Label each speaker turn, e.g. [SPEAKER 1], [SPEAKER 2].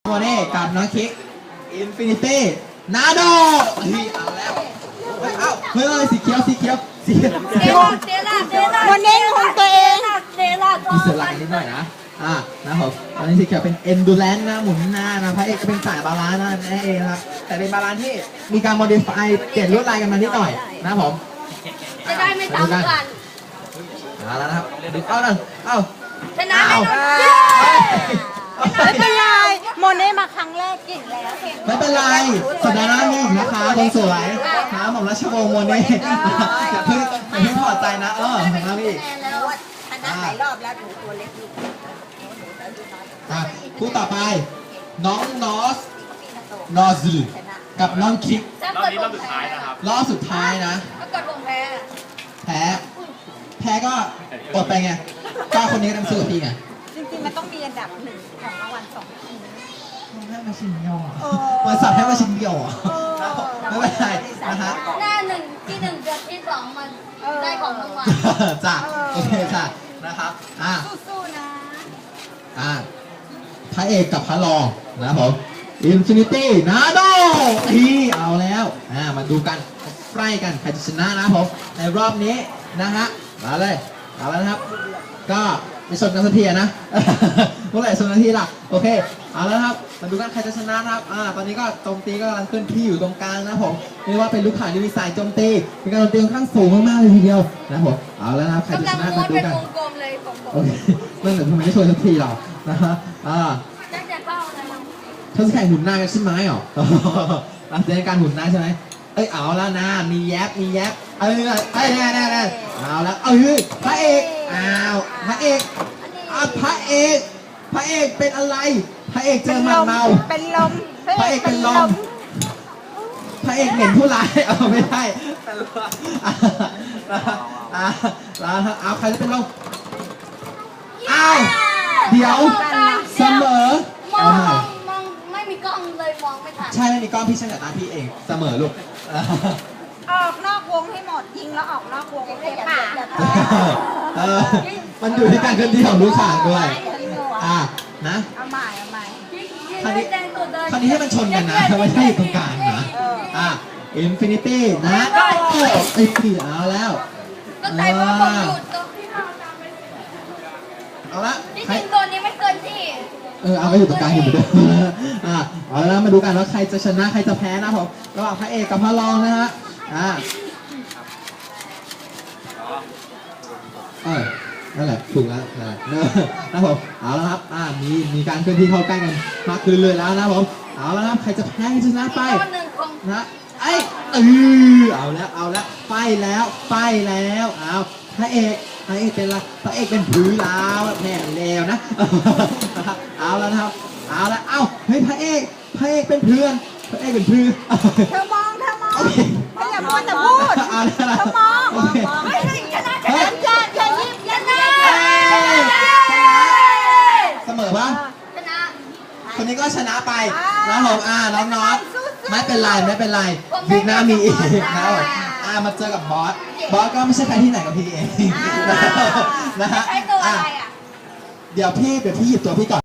[SPEAKER 1] โมเน่กับน้องคิกอินฟินิตี้นาโดเอาแล้วเฮ้ยสีเขียว
[SPEAKER 2] โมเน่ของตัวเอง
[SPEAKER 1] มีเสือหลังนิดหน่อยนะนะครับตอนนี้สีเขียวเป็น endurance นะหมุนหน้านะพระเอกจะเป็นสายบาลานซ์นั่นเองครับแต่เป็นบาลานซ์ที่มีการ modify เปลี่ยนลวดลายกันมานิดหน่อยนะผม
[SPEAKER 3] จะได้ไม่ซ้ำกัน
[SPEAKER 1] แล้วนะครับเอา
[SPEAKER 3] ชนะแน่นอน
[SPEAKER 2] ไม่เป็นไรโมเน่มาครั้งแรกเก่งแล้ว
[SPEAKER 1] ไม่เป็นไรสัปดาห์หน้ามีอีกนะคะคนสวยนะผมรัชวงศ์โมเน่อย่าเพิ่งถอดใจนะนะพี่
[SPEAKER 2] ชนะหลายรอบแล้วถูกตัวเล็ก
[SPEAKER 1] คู่ต่อไปน้องนอซึกับน้องคิก
[SPEAKER 3] รอบนี้รอบสุดท้ายนะครับ
[SPEAKER 1] รอบสุดท้ายนะ
[SPEAKER 3] ถ้าเกิดผมแ
[SPEAKER 1] พ้ก็อดไปไงก็คนนี้ก็ต้องสู้กับพี่ไง
[SPEAKER 2] จริงๆมันต้องมีอันดับ1ของรางวัล2ที
[SPEAKER 1] มันให้มาชิ้นเดียวมันสับให้มาชิ้นเดียวไม่เป็นไรนะฮะ
[SPEAKER 3] หน้าที่ 1กับที่ 2มันได้ของรางวัล
[SPEAKER 1] จ้ะโอเคจ้ะนะครับ
[SPEAKER 2] สู้ๆนะ
[SPEAKER 1] พระเอกกับพระรองนะผมอินฟินิตี้นาโดเอาแล้วมาดูกันใกล้กันใครจะชนะนะผมในรอบนี้นะฮะมาเลยเอาแล้วนะครับก็ไปชนกันสักทีนะเมื่อไหร่ชนกันทีล่ะโอเคเอาแล้วครับมาดูกันใครจะชนะครับตอนนี้ก็โจมตีก็กำลังเคลื่อนที่อยู่ตรงกลางนะผมเรียกว่าเป็นลูกข่างที่มีสายโจมตีมีการโจมตีค่อนข้างสูงมากๆเลยทีเดียวนะผมเอาแล้วนะครับใครจะชนะมาดูกันโอเคเมื่อไหร่ทำไมไม่ชนสักทีหรอนะฮะ
[SPEAKER 3] จะเข้าอะไร
[SPEAKER 1] เขาจะแข่งหุ่นหน้ากันใช่ไหมหรอจะในการหุ่นหน้าใช่ไหมเอาแล้วนะมีแยบแน่เอาแล้วพระเอกพระเอกพระเอกเป็นอะไรพระเอกเจอมันเมา
[SPEAKER 2] เป็นลม
[SPEAKER 1] พระเอกเป็นลมพระเอกเหม็นผู้ร้ายไม่ใช่แล้วใครจะเป็นลมเดี๋ยวเสมอ
[SPEAKER 3] มองไม่มีกล้องเลยมองไม่ทัน
[SPEAKER 1] ใช่ไม่มีกล้องพี่ช่างแต่ตาพี่เองเสมอลูก
[SPEAKER 2] ออกนอกวงให้หมดยิงแล้วออกนอกวงเลยค่ะ
[SPEAKER 1] มันอยู่ที่การเคลื่อนที่ของลูกข่างด้วยนะ
[SPEAKER 2] เอาใหม่
[SPEAKER 1] คราวนี้ให้มันชนกันนะไม่ใช่ตรงกลางนะอินฟินิตี้นะเอาแล้ว
[SPEAKER 3] ก็แต่ว่าผมหยุด
[SPEAKER 1] เอาละ
[SPEAKER 3] จริงๆตัวนี้ไม่เกินที่
[SPEAKER 1] เอาไปอยู่ตรงกลางอยู่เหมือนเดิมเอาแล้วมาดูกันว่าใครจะชนะใครจะแพ้นะผมระหว่างพระเอกกับพระรองนะฮะนั่นแหละถูกแล้วนะผมเอาแล้วครับมีการเคลื่อนที่เข้าใกล้กันมากขึ้นเลยแล้วนะผมเอาแล้วครับใครจะแพ้ใครจะชนะไปนะเอาแล้วไปแล้วเอาพระเอกเป็นอะไรพระเอกเป็นผือลาวแพ้แล้วนะเอาแล้วนะครับเอาแล้วเฮ้ยพระเอกเป็นเพื่อนพระเอกเป็นพือ
[SPEAKER 2] เธอมองไม่อย่าพูดแต่พูดเธอมองชนะ
[SPEAKER 1] เสมอป่ะคนนี้ก็ชนะไปนะผมน้องน็อตไม่เป็นไรวีคหน้ามีอีกนะมาเจอกับบอสก็ไม่ใช่ใครที่ไหนกับพี่เองนะฮะเดี๋ยวพี่หยิบตัวพี่ก่อน